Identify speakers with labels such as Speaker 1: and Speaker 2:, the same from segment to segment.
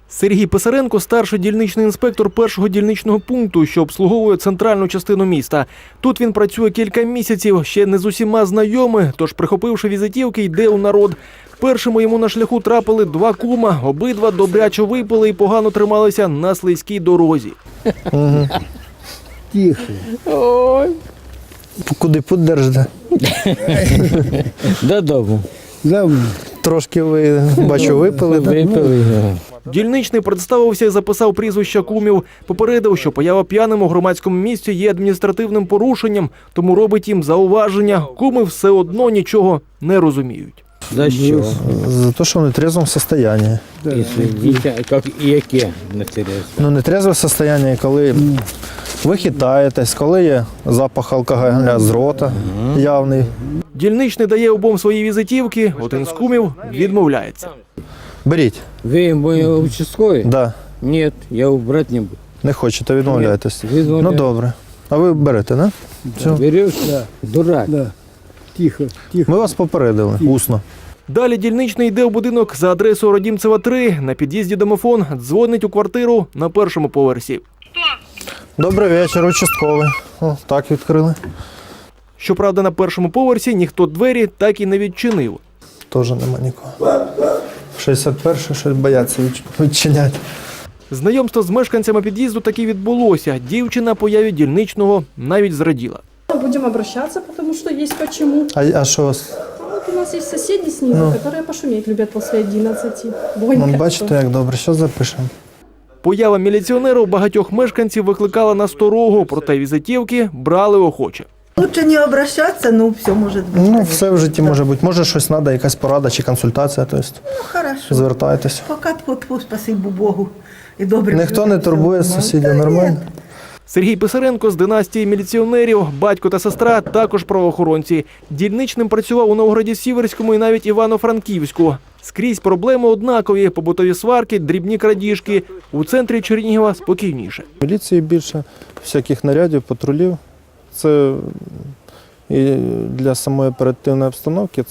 Speaker 1: Сергій Писаренко – старший дільничний інспектор першого дільничного пункту, що обслуговує центральну частину міста. Тут він працює кілька місяців, ще не з усіма знайомий, тож, прихопивши візитівки, йде у народ. Першими йому на шляху трапили два кума, обидва добряче випили і погано трималися на слизькій дорозі.
Speaker 2: Тихо.
Speaker 3: Ой.
Speaker 4: Куди путь держите?
Speaker 3: Додому.
Speaker 2: Давно.
Speaker 4: Трошки ви, бачу, випили, так?
Speaker 3: Випили.
Speaker 1: Дільничний представився і записав прізвища кумів. Попередив, що поява п'яним у громадському місці є адміністративним порушеннем, тому робить їм зауваження. Куми все одно нічого не розуміють.
Speaker 3: За що?
Speaker 4: За те, що в нетрезвому стані.
Speaker 3: Якщо дітя, як і яке на тересі?
Speaker 4: Ну, нетрезве стані, коли ви хитаєтесь, коли є запах алкоголя з рота явний.
Speaker 1: Дільничний дає обом свої візитівки, один з кумів відмовляється.
Speaker 4: Беріть.
Speaker 3: Ви мої участкові?
Speaker 4: Да.
Speaker 3: Ні, я убрати не буду.
Speaker 4: Не хочете, відмовляєтесь.
Speaker 3: Відмовляю.
Speaker 4: Ну, добре. А ви берете, да? Все.
Speaker 3: Береш?
Speaker 2: Да.
Speaker 3: Дурак.
Speaker 2: Да. Тихо, тихо.
Speaker 4: Ми вас попередили, усно.
Speaker 1: Далі дільничний йде в будинок за адресою Родімцева, 3. На під'їзді домофон, дзвонить у квартиру на першому поверсі.
Speaker 4: Добрий вечір, участковий. О, так відкрили.
Speaker 1: Щоправда, на першому поверсі ніхто двері так і не відчинив.
Speaker 4: Теж нема нікого. 61-й щось бояться відчиняти.
Speaker 1: Знайомство з мешканцями під'їзду таки відбулося. Дівчина появі дільничного навіть зраділа.
Speaker 5: Будем обращаться, потому что есть почему.
Speaker 4: А що у вас?
Speaker 5: Вот у нас есть соседи снизу, которые пошуметь любят после 11. Бонька.
Speaker 4: Ну, бачите, як добре, що запишемо.
Speaker 1: Поява міліціонера у багатьох мешканців викликала насторогу, проте візитівки брали охоче.
Speaker 6: Лучше не обращаться, ну все может быть.
Speaker 4: Ну, все в житті може бути. Може, щось треба, якась порада чи консультація, тобто
Speaker 6: Ну, хорошо.
Speaker 4: звертайтеся.
Speaker 6: Пока тьфу-тьфу, спасибо Богу. І добре.
Speaker 4: Ніхто не турбує сусідів, нормально?
Speaker 1: Сергій Писаренко з династії міліціонерів, батько та сестра також правоохоронці. Дільничним працював у Новгороді-Сіверському і навіть Івано-Франківську. Скрізь проблеми однакові – побутові сварки, дрібні крадіжки. У центрі Чернігова спокійніше.
Speaker 4: Міліції більше, всяких нарядів, патрулів. Це і для самої оперативної обстановки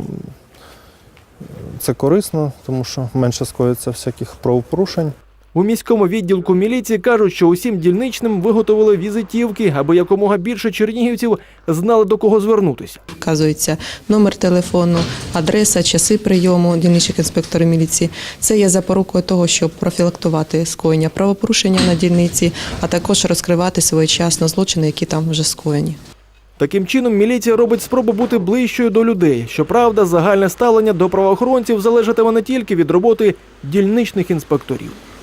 Speaker 4: це корисно, тому що менше скоїться всяких правопорушень.
Speaker 1: У міському відділку міліції кажуть, що усім дільничним виготовили візитівки, аби якомога більше чернігівців знали, до кого звернутися.
Speaker 7: Вказується номер телефону, адреса, часи прийому дільничних інспекторів міліції. Це є запорукою того, щоб профілактувати скоєння правопорушення на дільниці, а також розкривати своєчасно злочини, які там вже скоєні.
Speaker 1: Таким чином, міліція робить спробу бути ближчою до людей. Щоправда, загальне ставлення до правоохоронців залежатиме не тільки від роботи дільничних інспекторів.